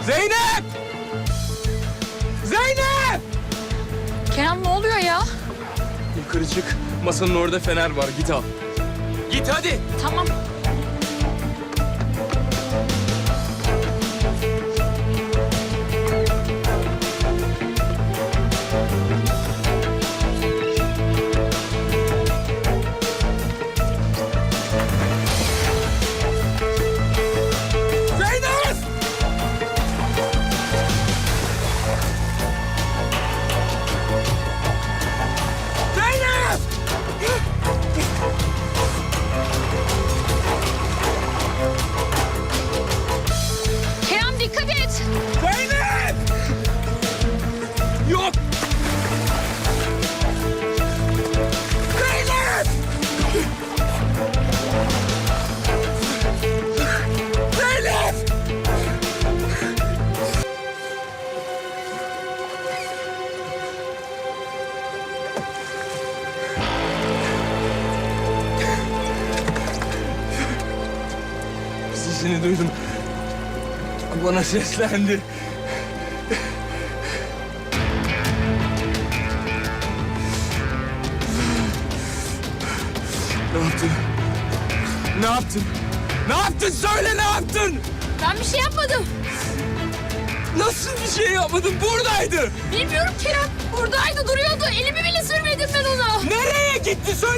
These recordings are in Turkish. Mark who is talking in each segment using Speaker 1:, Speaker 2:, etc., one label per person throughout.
Speaker 1: Zeynep! Zeynep!
Speaker 2: Kerem ne oluyor ya?
Speaker 1: Yukarı çık. Masanın orada fener var. Git al. Git hadi.
Speaker 2: Tamam.
Speaker 1: Zeynep! Zeynep!
Speaker 2: Kerem dikkat et.
Speaker 1: Zeynep! Yok! Zeynep! Zeynep! Sesini duydum. Bana seslendi. Ne yaptın? Ne yaptın? Ne yaptın? Söyle ne yaptın?
Speaker 2: Ben bir şey yapmadım.
Speaker 1: Nasıl bir şey yapmadın? Buradaydı.
Speaker 2: Bilmiyorum Kerem. Buradaydı duruyordu. Elimi bile sürmedim ben ona.
Speaker 1: Nereye gitti? Söyle.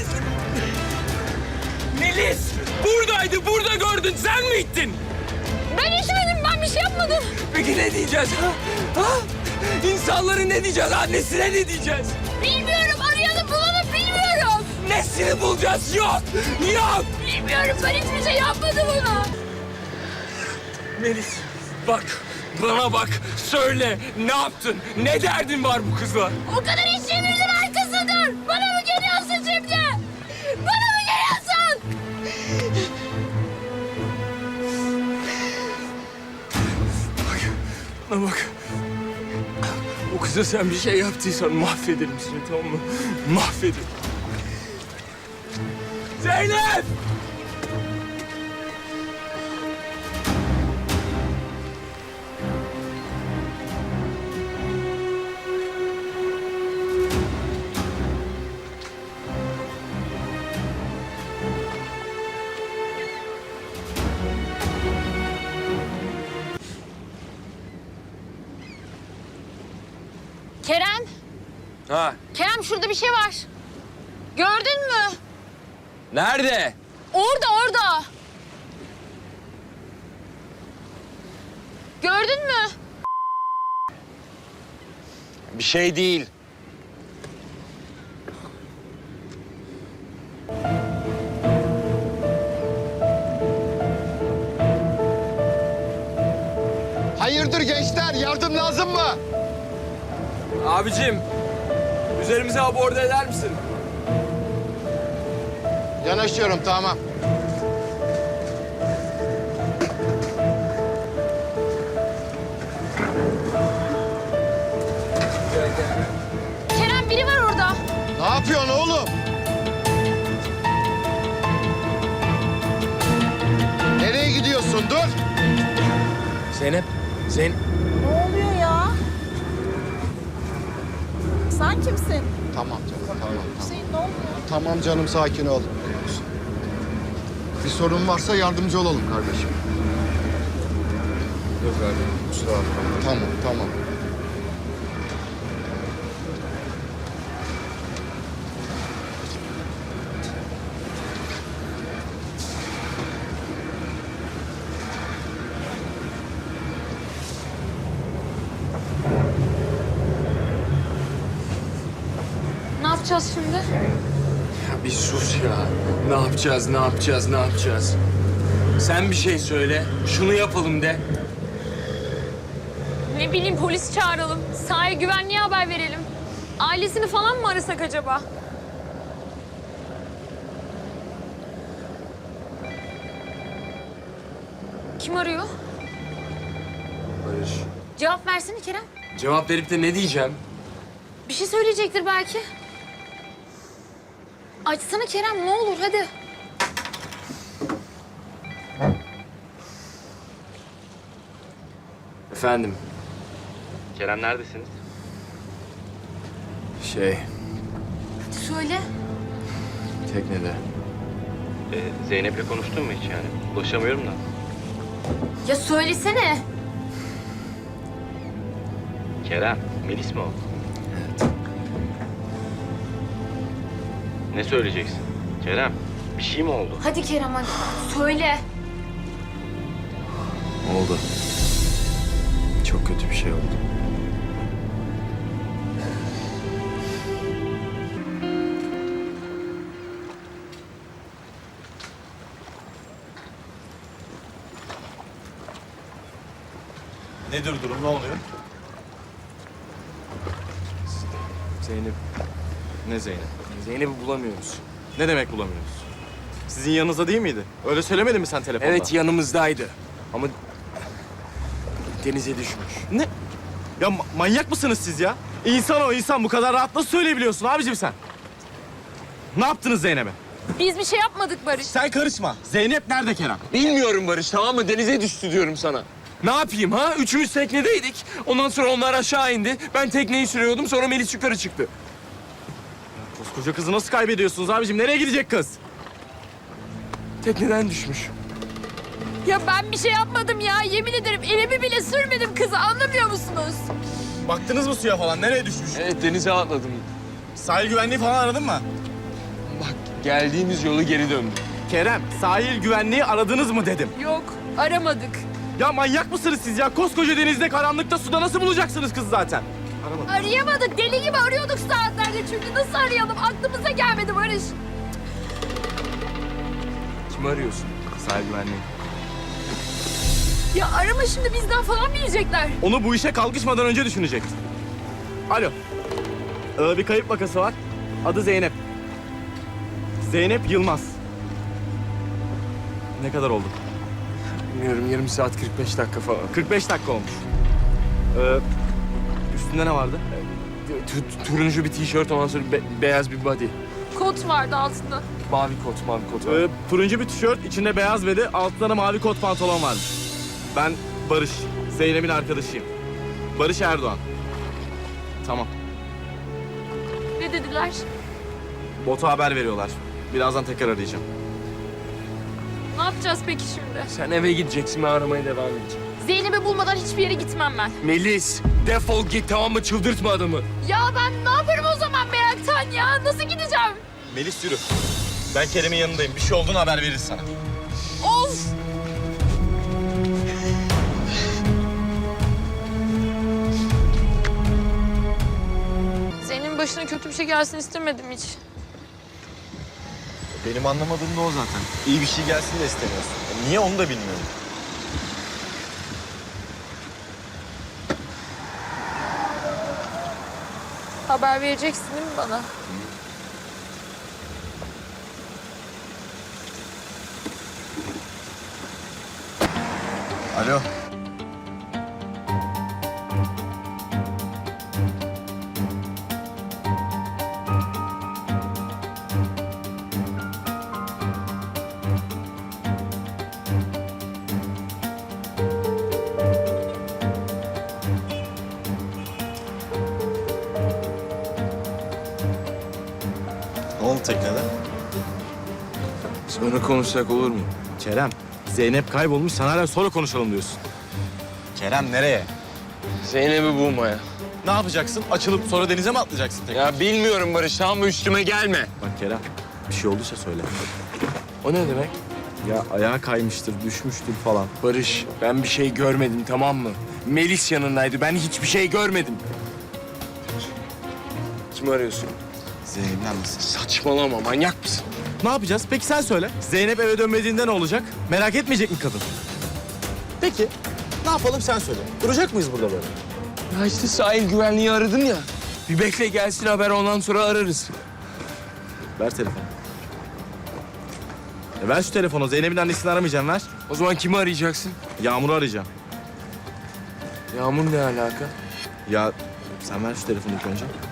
Speaker 1: Melis! Buradaydı. Burada gördün. Sen mi ittin?
Speaker 2: Ben içmedim. Ben bir şey yapmadım.
Speaker 1: Peki ne diyeceğiz? Ha? İnsanlara ne diyeceğiz? Annesine ne diyeceğiz?
Speaker 2: Bilmiyorum. Arayalım bulalım. Bilmiyorum.
Speaker 1: Nesini bulacağız? Yok! Yok!
Speaker 2: Bilmiyorum. Ben hiçbir şey yapmadım ona.
Speaker 1: Melis bak. Bana bak. Söyle. Ne yaptın? Ne derdin var bu kızla?
Speaker 2: O kadar işçilerin arkasıdır. Bana mı geliyorsun şimdi? Bana mı geliyorsun?
Speaker 1: Bak. Bana bak. O kıza sen bir şey yaptıysan mahvederim seni, tamam mı? Mahvederim. Zeynep!
Speaker 2: Kerem.
Speaker 1: Ha,
Speaker 2: Kerem şurada bir şey var. Gördün mü?
Speaker 1: nerede?
Speaker 2: Orada. Gördün mü?
Speaker 1: Bir şey değil.
Speaker 3: Hayırdır gençler? Yardım lazım mı?
Speaker 1: Abicim, üzerimize aborda eder misin?
Speaker 3: Yanaşıyorum, tamam.
Speaker 2: Kerem biri var orada.
Speaker 3: Ne yapıyorsun oğlum? Nereye gidiyorsun? Dur.
Speaker 1: Zeynep, Zeynep.
Speaker 4: Ne oluyor ya? Sen kimsin?
Speaker 3: Tamam canım, tamam.
Speaker 4: Hüseyin ne oluyor?
Speaker 3: Tamam canım, sakin ol. Bir sorun varsa yardımcı olalım kardeşim.
Speaker 1: Yok abi, kusura bakma.
Speaker 3: Tamam.
Speaker 2: Ne yapacağız şimdi?
Speaker 1: Ya bir sus ya. Ne yapacağız? Sen bir şey söyle. Şunu yapalım de.
Speaker 2: Ne bileyim polis çağıralım. Sahil güvenliğe haber verelim. Ailesini falan mı arasak acaba? Kim arıyor?
Speaker 1: Barış.
Speaker 2: Cevap versene Kerem.
Speaker 1: Cevap verip de ne diyeceğim?
Speaker 2: Bir şey söyleyecektir belki. Açsana Kerem ne olur hadi.
Speaker 1: Efendim,
Speaker 5: Kerem neredesiniz?
Speaker 2: Söyle.
Speaker 1: teknede.
Speaker 5: Zeynep'le konuştun mu hiç yani? Ulaşamıyorum da.
Speaker 2: Ya söylesene.
Speaker 5: Kerem, Melis mi o? Ne söyleyeceksin? Kerem, bir şey mi oldu?
Speaker 2: Hadi Kerem hadi. Söyle.
Speaker 1: Oldu. Çok kötü bir şey oldu.
Speaker 6: Nedir durum, ne oluyor?
Speaker 1: Zeynep,
Speaker 6: Ne Zeynep?
Speaker 1: Zeynep'i bulamıyoruz.
Speaker 6: Ne demek bulamıyoruz? Sizin yanınızda değil miydi? Öyle söylemedin mi sen telefonda?
Speaker 1: Evet, yanımızdaydı. Ama denize düşmüş.
Speaker 6: Ne? Ya manyak mısınız siz ya? İnsan o insan, bu kadar rahat nasıl söyleyebiliyorsun abicim sen? Ne yaptınız Zeynep'e?
Speaker 2: Biz bir şey yapmadık Barış.
Speaker 6: Sen karışma. Zeynep nerede Kerem?
Speaker 1: Bilmiyorum Barış, tamam mı? Denize düştü diyorum sana. Ne yapayım ha? Üçümüz teknedeydik. Ondan sonra onlar aşağı indi. Ben tekneyi sürüyordum, sonra Melis yukarı çıktı.
Speaker 6: Koskoca kızı nasıl kaybediyorsunuz abicim? Nereye gidecek kız?
Speaker 1: Tekneden düşmüş.
Speaker 2: Ya ben bir şey yapmadım ya. Yemin ederim elimi bile sürmedim kızı. Anlamıyor musunuz?
Speaker 6: Baktınız mı suya falan? Nereye düşmüş?
Speaker 1: Evet, denize atladım.
Speaker 6: Sahil güvenliği falan aradın mı?
Speaker 1: Bak, geldiğimiz yolu geri döndük.
Speaker 6: Kerem, sahil güvenliği aradınız mı dedim.
Speaker 2: Yok aramadık.
Speaker 6: Ya manyak mısınız siz ya? Koskoca denizde, karanlıkta, suda nasıl bulacaksınız kızı zaten? Aramadım.
Speaker 2: Arayamadık. Deli gibi arıyorduk saatlerce. Çünkü nasıl arayalım? Aklımıza gelmedi Barış.
Speaker 1: Kimi arıyorsun?
Speaker 6: Sahil güvenliği.
Speaker 2: Ya arama şimdi bizden falan mı yiyecekler?
Speaker 6: Onu bu işe kalkışmadan önce düşünecektin. Alo. Bir kayıp vakası var. Adı Zeynep. Zeynep Yılmaz. Ne kadar oldu?
Speaker 1: Bilmiyorum, yarım saat 45 dakika falan.
Speaker 6: 45 dakika olmuş. Üstünde ne vardı?
Speaker 1: Turuncu bir tişört, ondan sonra beyaz bir body.
Speaker 2: Kot vardı altında.
Speaker 1: Mavi kot var.
Speaker 6: Turuncu bir tişört, içinde beyaz bedi, altında da mavi kot pantolon varmış. Ben Barış, Zeynep'in arkadaşıyım. Barış Erdoğan. Tamam.
Speaker 2: Ne dediler?
Speaker 6: Bota haber veriyorlar. Birazdan tekrar arayacağım.
Speaker 2: Ne yapacağız peki şimdi?
Speaker 1: Sen eve gideceksin, ben aramaya devam edeceğim.
Speaker 2: Zeynep'i bulmadan hiçbir yere gitmem ben.
Speaker 1: Melis, defol git, tamam mı? Çıldırtma adamı.
Speaker 2: Ya ben ne yaparım o zaman meraktan ya? Nasıl gideceğim?
Speaker 6: Melis yürü. Ben Kerem'in yanındayım. Bir şey olduğunu haber veririz sana.
Speaker 2: Of! Zeynep'in başına kötü bir şey gelsin istemedim hiç.
Speaker 6: Benim anlamadığım da o zaten. İyi bir şey gelsin de istemiyorsun. Niye onu da bilmiyorum.
Speaker 2: Haber vereceksin değil mi bana?
Speaker 6: Alo. Ne oldu teknede?
Speaker 1: Sonra konuşsak olur mu?
Speaker 6: Kerem, Zeynep kaybolmuş. Sen hala sonra konuşalım diyorsun. Kerem nereye?
Speaker 1: Zeynep'i bulmaya.
Speaker 6: Ne yapacaksın? Açılıp sonra denize mi atlayacaksın tekrar?
Speaker 1: Ya bilmiyorum Barış, tamam mı? Üstüme gelme.
Speaker 6: Bak Kerem, bir şey olduysa söyle.
Speaker 1: O ne demek?
Speaker 6: Ya ayağa kaymıştır, düşmüştür falan.
Speaker 1: Barış, ben bir şey görmedim, tamam mı? Melis yanındaydı, ben hiçbir şey görmedim. Kimi arıyorsun?
Speaker 6: Zeynep'den misin?
Speaker 1: Saçmalama, manyak mısın?
Speaker 6: Ne yapacağız? Peki sen söyle. Zeynep eve dönmediğinde ne olacak? Merak etmeyecek mi kadın? Peki, ne yapalım sen söyle. Duracak mıyız burada böyle?
Speaker 1: Ya işte sahil güvenliği aradın ya. Bir bekle gelsin haber, ondan sonra ararız.
Speaker 6: Ver telefonu. Ver şu telefonu. Zeynep'in annesini aramayacağım, ver.
Speaker 1: O zaman kimi arayacaksın?
Speaker 6: Yağmur'u arayacağım.
Speaker 1: Yağmur ne alaka?
Speaker 6: Ya sen ver şu telefonu ilk önce.